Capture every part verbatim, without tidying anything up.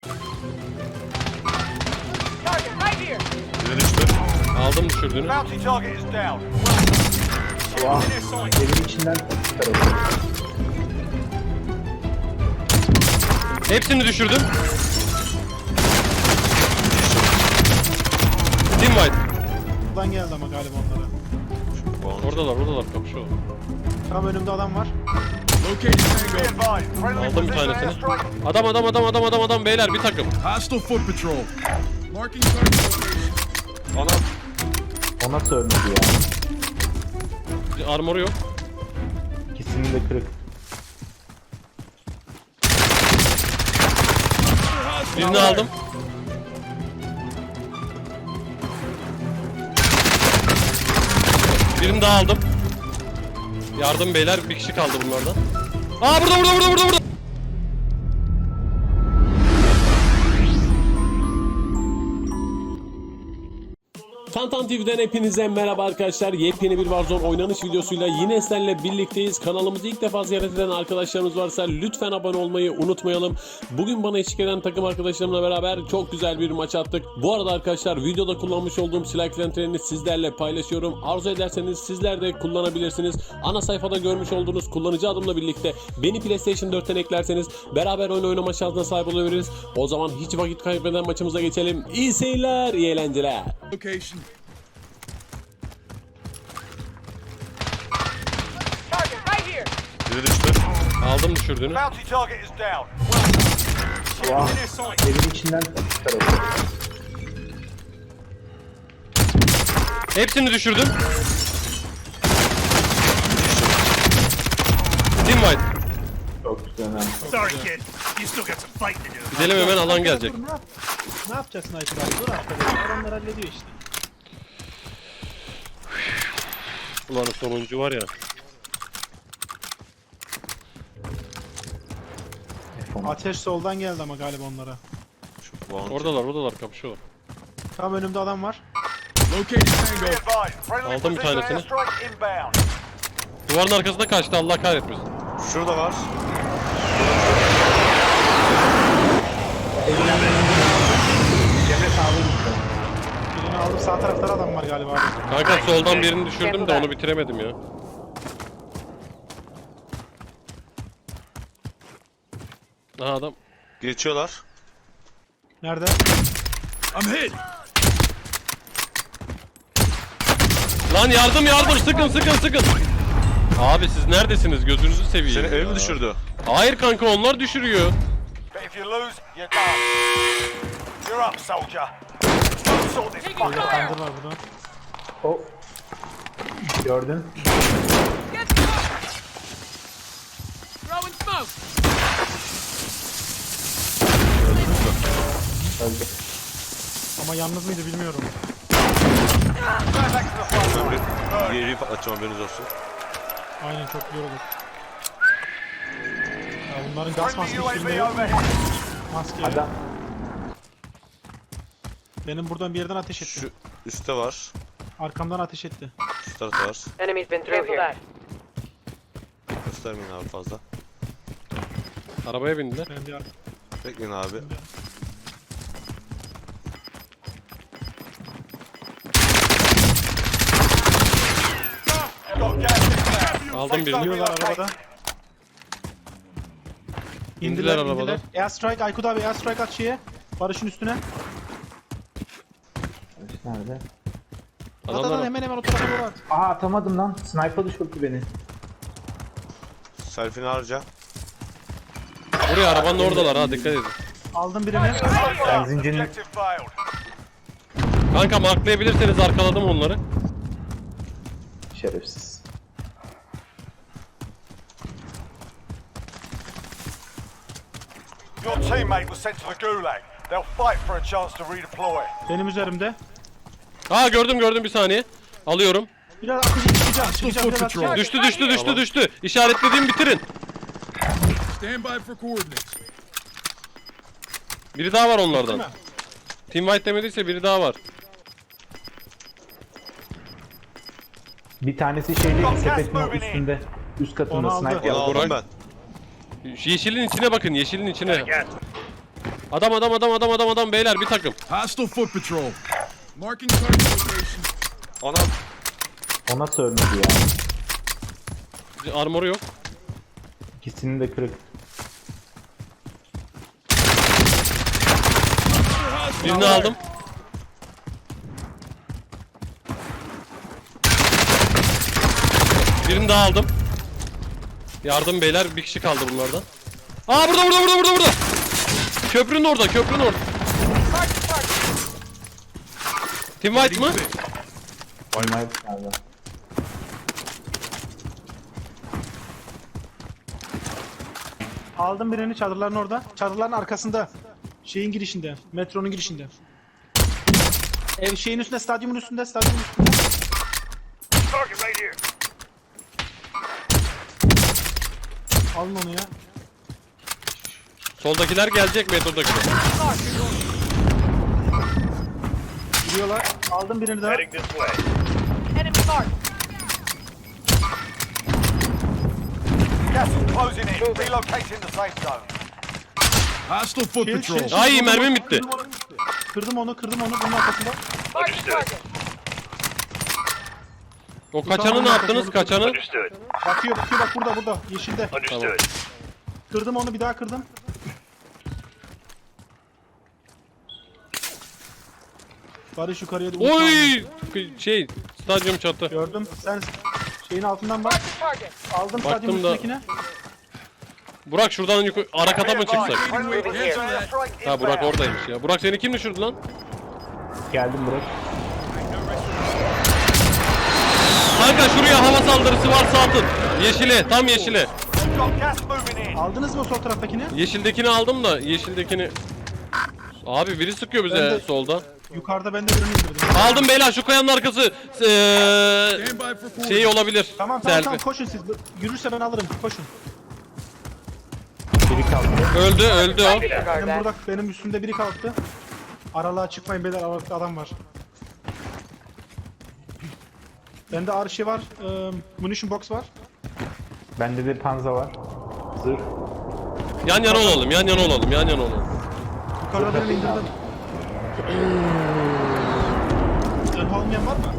Biri düştü. Aldım düşürdüğünü. Vah, evin içinden çıkarıldı. Hepsini düşürdüm. Team White. Buradan geldi ama galiba onlara. Oradalar, oradalar kapışıyorlar. Tam önümde adam var. Aldım bir tanesini. Adam adam adam adam adam adam beyler bir takım. Hostile foot patrol. Marking target location. Anam. O nasıl ölmedi ya? Armoru yok. İkisinin de kırık. Birini aldım. Birini daha aldım. Yardım beyler, bir kişi kaldı bunlardan. Aa burada burada burada burada burada. Tantan T V'den hepinize merhaba arkadaşlar. Yepyeni bir Warzone oynanış videosuyla yine sizlerle birlikteyiz. Kanalımızı ilk defa ziyaret eden arkadaşlarımız varsa lütfen abone olmayı unutmayalım. Bugün bana eşlik eden takım arkadaşlarımla beraber çok güzel bir maç attık. Bu arada arkadaşlar videoda kullanmış olduğum silah klentlerini sizlerle paylaşıyorum. Arzu ederseniz sizler de kullanabilirsiniz. Ana sayfada görmüş olduğunuz kullanıcı adımla birlikte beni PlayStation dörtten eklerseniz beraber oyun oynama şansına sahip olabiliriz. O zaman hiç vakit kaybeden maçımıza geçelim. İyi seyirler, iyi eğlenceler. Location. Biri düştü. Aldım düşürdüğünü. Vah, evin içinden çıkarıldı. Hepsini düşürdüm. Team White. Çok güzel ha. Sorry, kid. You still got some fighting to do. Gidelim hemen, alan gelecek. Dur, ne, yap ne yapacaksın Aykut abi? Dur arkadaşlar. Adamlar hallediyor işte. Ulan sonuncu var ya. Ateş soldan geldi ama galiba onlara. Oradalar, oradalar kapışıyorlar. Tam önümde adam var. Located Tango. Aldım bir tanesini. Duvarın arkasında kaçtı, Allah kahretmesin. Şurada var. Cemre sağlığı gitti. Birini aldım, sağ tarafta adam var galiba abi. Kanka soldan birini düşürdüm de onu bitiremedim ya. Aha adam. Geçiyorlar. Nerede? I'm hit. Lan yardım yardım, sıkın sıkın sıkın. Abi siz neredesiniz, gözünüzü seveyim. Seni ya. ev mi düşürdü? Hayır kanka, onlar düşürüyor. Burada kandır var burada. O. Gördün. Öldü. Ama yalnız mıydı bilmiyorum. Yeri patlatacağım, haberiniz olsun. Aynen, çok güzel olur. Ya bunların gaz maskesi filmi yok mu? Maske. Adam. Benim buradan bir yerden ateş etti. Şu üstte var. Arkamdan ateş etti. Şu tarafta var. Enemy's been through here. Göstermeyin abi fazla. Arabaya bindiler. Ben bir ar- Bekleyin abi. Aldım birini. Gidiyorlar arabada. İndiler arabadan. Airstrike, Aykut abi airstrike at şeye. Barış'ın üstüne. Nerede? At at at, Adamlar hemen hemen o tarafa doğru at. Aha atamadım lan. Sniper düşürdü beni. Selfie'ni harca. buraya, arabanın oradalar ha, dikkat edin. Aldım birini. Benzincinin Kanka marklayabilirseniz arkaladım onları. şerefsiz. Your teammate was sent to the Gulag. They'll fight for a chance to redeploy. Benim üzerimde. Aa gördüm gördüm, bir saniye. Alıyorum. Biraz atacağım, çıkacağım, çıkacağım, biraz Patrol. atacağım. Düştü düştü düştü düştü. İşaretlediğim bitirin. Stand by for coordinates. Biri daha var onlardan. Değil mi? Team White demediyse biri daha var. Bir tanesi şeyde sepetin üstünde. Üst katında Onu aldı. sniper. Onu aldım Burak. ben. Şu yeşilin içine bakın, yeşilin içine. Get. Adam adam adam adam adam adam beyler bir takım. Hostile foot patrol. Marking target location. Anam. O nasıl ölmedi ya? Armoru yok. İkisinin de kırık. Birini aldım. Birini daha aldım. Yardım beyler, bir kişi kaldı bunlardan. Aa burada burada burada burada burada. Köprünün orada, köprünün orada. Team White mı? Onlar nerede? Aldım birini çadırların orada. Çadırların arkasında. Şeyin girişinde. Metronun girişinde. Ev şeyin üstünde, stadyumun üstünde, stadyumun üstünde. Target right here. Alın onu ya. Soldakiler gelecek, metrodakiler. Gidiyorlar. Aldım birini daha. Heading this way. Enemy marked. Gas is closing in. Relocating the safe zone. Hostile foot Şey, patrol. şey, şey, Ay kırdım mermim onu, bitti. Kırdım onu, kırdım onu, kırdım onu bunun arkasında. Marking target. O kaçanı ne yaptınız? Kaçanı? Understood. Bakıyor, bakıyor bak burada, burada. Yeşilde. Understood. Kırdım onu, bir daha kırdım. Barış yukarıya da Oy! Şey, stadyum çatı. Gördüm. Sen şeyin altından bak. Marking target. Aldım stadyumun Baktım da- üstündekine. Burak şuradan yukarı, ara kata mı çıksak? Friendly Cancel airstrike Ha Burak inbound. oradaymış ya. Burak seni kim düşürdü lan? Geldim bırak. Kanka şuraya hava saldırısı varsa atın. Yeşile, tam yeşile. We've got gas moving in. Aldınız mı o sol taraftakini? Yeşildekini aldım da yeşildekini... Abi biri sıkıyor bize Ben de- solda. Yukarıda ben de birini indirdim. Aldım beyler, şu kayanın arkası. Eee... Stand by for coordinates. Şey olabilir. Tamam tamam Selfie. tamam koşun siz. Yürürse ben alırım. Koşun. Biri kaldı. Öldü, öldü o. Benim burada benim üstümde biri kalktı. Aralığa çıkmayın beyler, aralıkta adam var. Bende ağır şey var. E, munition box var. Bende de panza var. Zırh. Yan yana olalım, yan yana olalım, yan yana olalım. Yukarıda birini indirdim. Zırh olmayan var mı?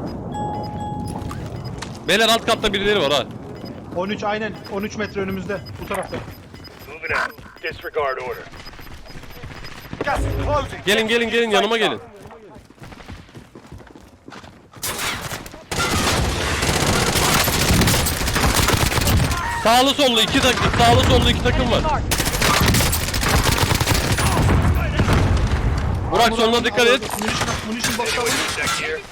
Beyler alt katta birileri var ha. on üç aynen. on üç metre önümüzde. Bu tarafta. Moving out. Disregard order. Gas is closing. Gelin gelin gelin yanıma gelin. Sağlı sollu iki takım, sağlı sollu iki takım var. Marked. Burak sonuna dikkat et. Munition, munition box alın. Check here.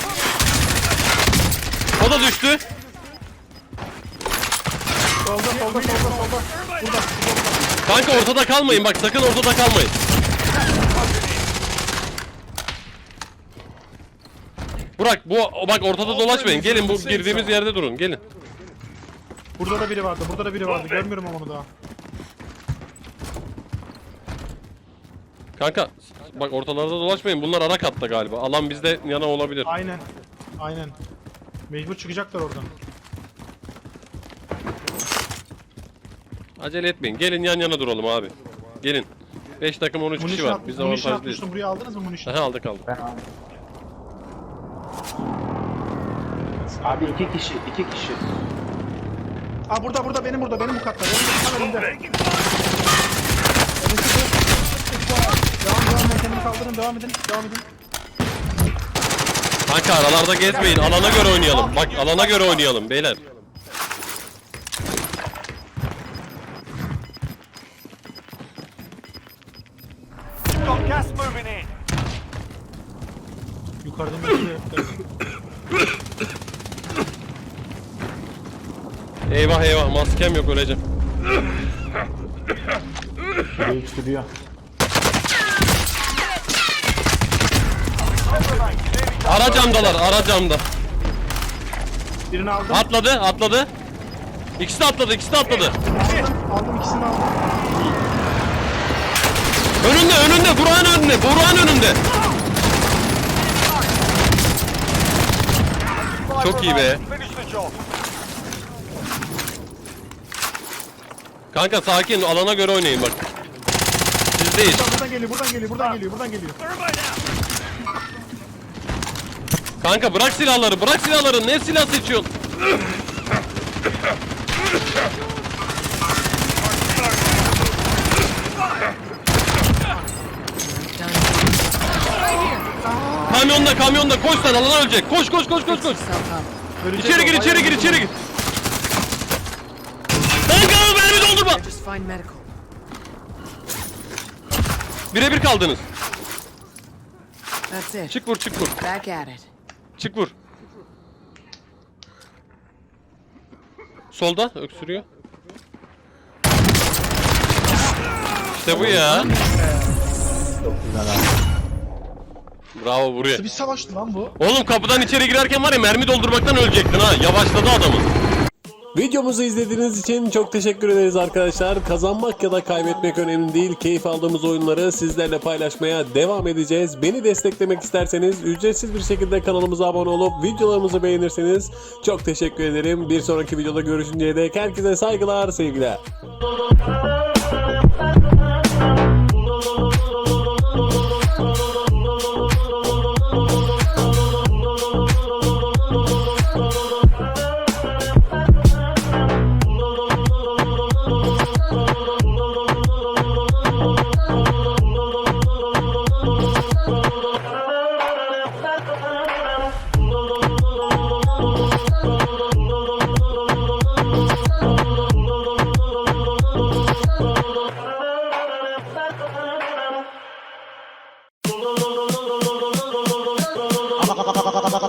O da düştü. Solda solda solda solda. Burada. Kanka ortada kalmayın bak, sakın ortada kalmayın. Burak bu bak ortada dolaşmayın. Gelin bu girdiğimiz yerde durun. Gelin. Burada da biri vardı. Burada da biri vardı. Görmüyorum ama onu daha. Kanka bak ortalarda dolaşmayın. Bunlar ara katta galiba. Alan bizde yana olabilir. Aynen. Aynen. Mecbur çıkacaklar oradan. Acele etmeyin. Gelin yan yana duralım abi. Gelin. beş takım on üç kişi Munition, var. at, Biz munition avantajlıyız. atmıştım. Buraya aldınız mı munition? Aha aldık aldık. Ben aldım. Abi iki kişi, iki kişi. Aa burada burada benim burada benim bu katta. Benim bu katta önümde. Önündeki bu. Devam devam ben kendimi kaldırın devam edin devam edin. Kanka aralarda gezmeyin. Alana göre oynayalım. Bak alana göre oynayalım beyler. We've got gas moving in. Yukarıdan böyle. Eyvah eyvah maskem yok, öleceğim. Biri sürüyor. Ara camdalar, ara camda. Birini aldım. Atladı, atladı. İkisi de atladı, ikisi de atladı. Aldım, aldım ikisini aldım. Önünde, önünde, Burak'ın önünde, Burak'ın önünde. Çok iyi be. Finish the job. Kanka sakin, alana göre oynayın bak. Siz değil. Buradan buradan geliyor, buradan geliyor, buradan geliyor, buradan geliyor. Kanka bırak silahları, bırak silahları. Ne silah seçiyorsun? Kamyonda, kamyonda koş sen, alan ölecek. Koş, koş, koş, koş, koş. Ölecek İçeri o, gir, içeri bayağı gir, vurdum. içeri gir. Kanka mermi doldurma. Just find medical. Birebir kaldınız. That's it. Çık vur, çık vur. Back at it. Çık vur. Solda öksürüyor. İşte bu ya. Bravo buraya. Nasıl bir savaştı lan bu? Oğlum kapıdan içeri girerken var ya mermi doldurmaktan ölecektin ha. Yavaşladı adamı. Videomuzu izlediğiniz için çok teşekkür ederiz arkadaşlar. Kazanmak ya da kaybetmek önemli değil. Keyif aldığımız oyunları sizlerle paylaşmaya devam edeceğiz. Beni desteklemek isterseniz ücretsiz bir şekilde kanalımıza abone olup videolarımızı beğenirseniz çok teşekkür ederim. Bir sonraki videoda görüşünceye dek herkese saygılar, sevgiler.